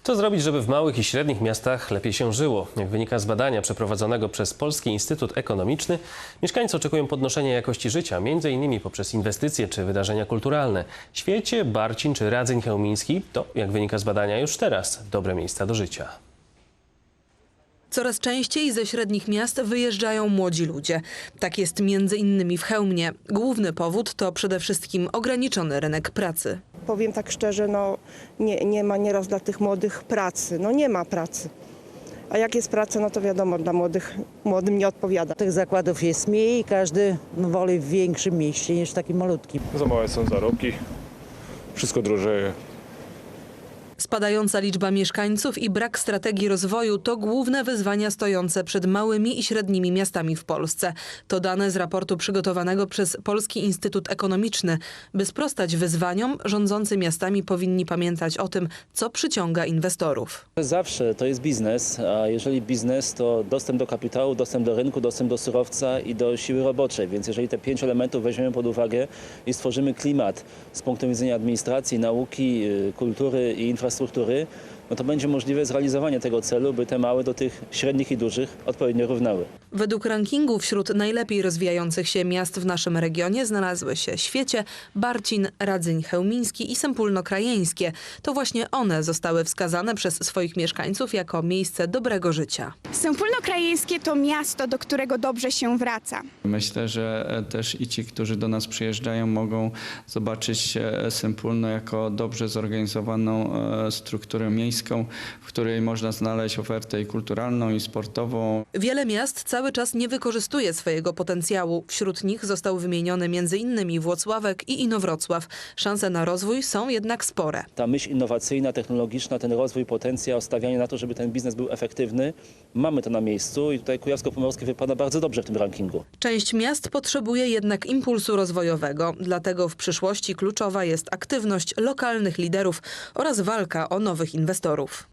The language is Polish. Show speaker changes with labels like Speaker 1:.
Speaker 1: Co zrobić, żeby w małych i średnich miastach lepiej się żyło? Jak wynika z badania przeprowadzonego przez Polski Instytut Ekonomiczny, mieszkańcy oczekują podnoszenia jakości życia, m.in. poprzez inwestycje czy wydarzenia kulturalne. Świecie, Barcin czy Radzyń Chełmiński to, jak wynika z badania, już teraz dobre miejsca do życia.
Speaker 2: Coraz częściej ze średnich miast wyjeżdżają młodzi ludzie. Tak jest między innymi w Chełmie. Główny powód to przede wszystkim ograniczony rynek pracy.
Speaker 3: Powiem tak szczerze, nie ma nieraz dla tych młodych pracy. Nie ma pracy. A jak jest praca, to wiadomo, dla młodym nie odpowiada.
Speaker 4: Tych zakładów jest mniej i każdy woli w większym mieście niż w takim malutkim.
Speaker 5: Za małe są zarobki, wszystko drożeje.
Speaker 2: Spadająca liczba mieszkańców i brak strategii rozwoju to główne wyzwania stojące przed małymi i średnimi miastami w Polsce. To dane z raportu przygotowanego przez Polski Instytut Ekonomiczny. By sprostać wyzwaniom, rządzący miastami powinni pamiętać o tym, co przyciąga inwestorów.
Speaker 6: Zawsze to jest biznes, a jeżeli biznes, to dostęp do kapitału, dostęp do rynku, dostęp do surowca i do siły roboczej. Więc jeżeli te 5 elementów weźmiemy pod uwagę i stworzymy klimat z punktu widzenia administracji, nauki, kultury i infrastruktury, to będzie możliwe zrealizowanie tego celu, by te małe do tych średnich i dużych odpowiednio równały.
Speaker 2: Według rankingu wśród najlepiej rozwijających się miast w naszym regionie znalazły się Świecie, Barcin, Radzyń Chełmiński i Sępólno Krajeńskie. To właśnie one zostały wskazane przez swoich mieszkańców jako miejsce dobrego życia.
Speaker 7: Sępólno Krajeńskie to miasto, do którego dobrze się wraca.
Speaker 8: Myślę, że też i ci, którzy do nas przyjeżdżają, mogą zobaczyć Sępólno jako dobrze zorganizowaną strukturę miejską, w której można znaleźć ofertę i kulturalną, i sportową.
Speaker 2: Wiele miast cały czas nie wykorzystuje swojego potencjału. Wśród nich został wymieniony m.in. Włocławek i Inowrocław. Szanse na rozwój są jednak spore.
Speaker 6: Ta myśl innowacyjna, technologiczna, ten rozwój, potencjał, stawianie na to, żeby ten biznes był efektywny, mamy to na miejscu i tutaj Kujawsko-Pomorskie wypada bardzo dobrze w tym rankingu.
Speaker 2: Część miast potrzebuje jednak impulsu rozwojowego. Dlatego w przyszłości kluczowa jest aktywność lokalnych liderów oraz walka o nowych inwestorów.